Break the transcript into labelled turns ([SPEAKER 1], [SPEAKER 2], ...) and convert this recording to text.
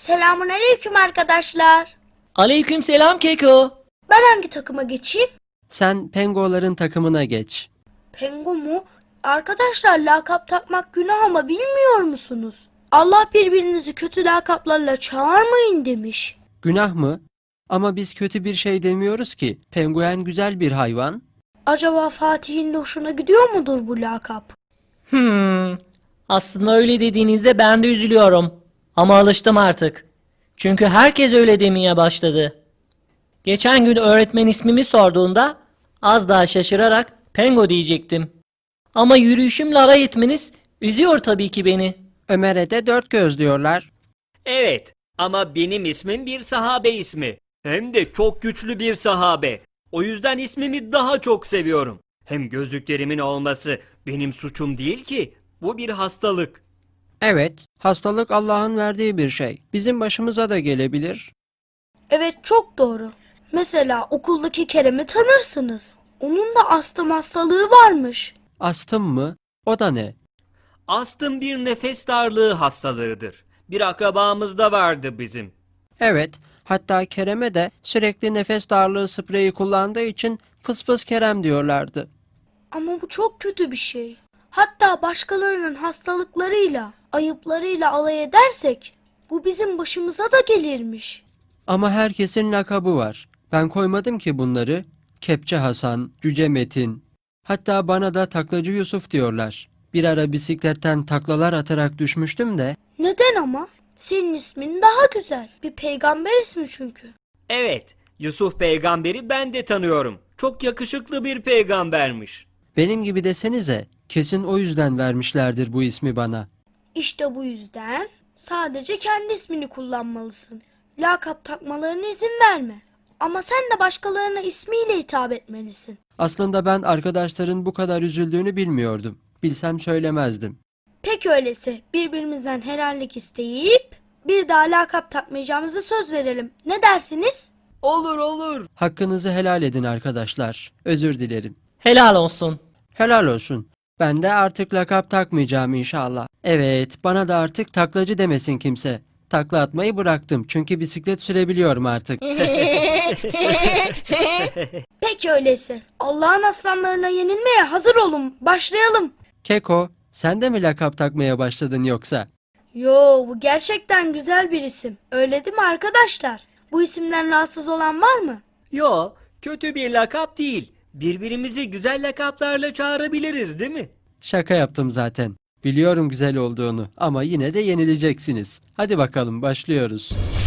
[SPEAKER 1] Selamünaleyküm arkadaşlar.
[SPEAKER 2] Aleykümselam Keko.
[SPEAKER 1] Ben hangi takıma geçeyim?
[SPEAKER 3] Sen pengoların takımına geç.
[SPEAKER 1] Pengo mu? Arkadaşlar lakap takmak günah ama bilmiyor musunuz? Allah birbirinizi kötü lakaplarla çağırmayın demiş.
[SPEAKER 3] Günah mı? Ama biz kötü bir şey demiyoruz ki. Penguen güzel bir hayvan.
[SPEAKER 1] Acaba Fatih'in de hoşuna gidiyor mudur bu lakap?
[SPEAKER 2] Aslında öyle dediğinizde ben de üzülüyorum. Ama alıştım artık. Çünkü herkes öyle demeye başladı. Geçen gün öğretmen ismimi sorduğunda az daha şaşırarak Pengo diyecektim. Ama yürüyüşümle alay etmeniz üzüyor tabii ki beni.
[SPEAKER 3] Ömer'e de dört göz diyorlar.
[SPEAKER 4] Evet ama benim ismim bir sahabe ismi. Hem de çok güçlü bir sahabe. O yüzden ismimi daha çok seviyorum. Hem gözlüklerimin olması benim suçum değil ki. Bu bir hastalık.
[SPEAKER 3] Evet, hastalık Allah'ın verdiği bir şey. Bizim başımıza da gelebilir.
[SPEAKER 1] Evet, çok doğru. Mesela okuldaki Kerem'i tanırsınız. Onun da astım hastalığı varmış.
[SPEAKER 3] Astım mı? O da ne?
[SPEAKER 4] Astım bir nefes darlığı hastalığıdır. Bir akrabamız da vardı bizim.
[SPEAKER 3] Evet, hatta Kerem'e de sürekli nefes darlığı spreyi kullandığı için fıs fıs Kerem diyorlardı.
[SPEAKER 1] Ama bu çok kötü bir şey. Hatta başkalarının hastalıklarıyla, ayıplarıyla alay edersek bu bizim başımıza da gelirmiş.
[SPEAKER 3] Ama herkesin lakabı var. Ben koymadım ki bunları. Kepçe Hasan, Cüce Metin. Hatta bana da Taklacı Yusuf diyorlar. Bir ara bisikletten taklalar atarak düşmüştüm de.
[SPEAKER 1] Neden ama? Senin ismin daha güzel. Bir peygamber ismi çünkü.
[SPEAKER 4] Evet, Yusuf peygamberi ben de tanıyorum. Çok yakışıklı bir peygambermiş.
[SPEAKER 3] Benim gibi desenize, kesin o yüzden vermişlerdir bu ismi bana.
[SPEAKER 1] İşte bu yüzden sadece kendi ismini kullanmalısın. Lakap takmalarına izin verme. Ama sen de başkalarına ismiyle hitap etmelisin.
[SPEAKER 3] Aslında ben arkadaşların bu kadar üzüldüğünü bilmiyordum. Bilsem söylemezdim.
[SPEAKER 1] Peki öyleyse birbirimizden helallik isteyip bir daha lakap takmayacağımızı söz verelim. Ne dersiniz?
[SPEAKER 4] Olur olur.
[SPEAKER 3] Hakkınızı helal edin arkadaşlar. Özür dilerim.
[SPEAKER 2] Helal olsun.
[SPEAKER 3] Helal olsun. Ben de artık lakap takmayacağım inşallah. Evet, bana da artık taklacı demesin kimse. Takla atmayı bıraktım çünkü bisiklet sürebiliyorum artık.
[SPEAKER 1] Peki öyleyse Allah'ın aslanlarına yenilmeye hazır olun. Başlayalım.
[SPEAKER 3] Keko, sen de mi lakap takmaya başladın yoksa?
[SPEAKER 1] Yo, bu gerçekten güzel bir isim. Öyle değil mi arkadaşlar? Bu isimden rahatsız olan var mı?
[SPEAKER 4] Yo, kötü bir lakap değil. Birbirimizi güzel lakaplarla çağırabiliriz değil mi?
[SPEAKER 3] Şaka yaptım zaten. Biliyorum güzel olduğunu ama yine de yenileceksiniz. Hadi bakalım başlıyoruz.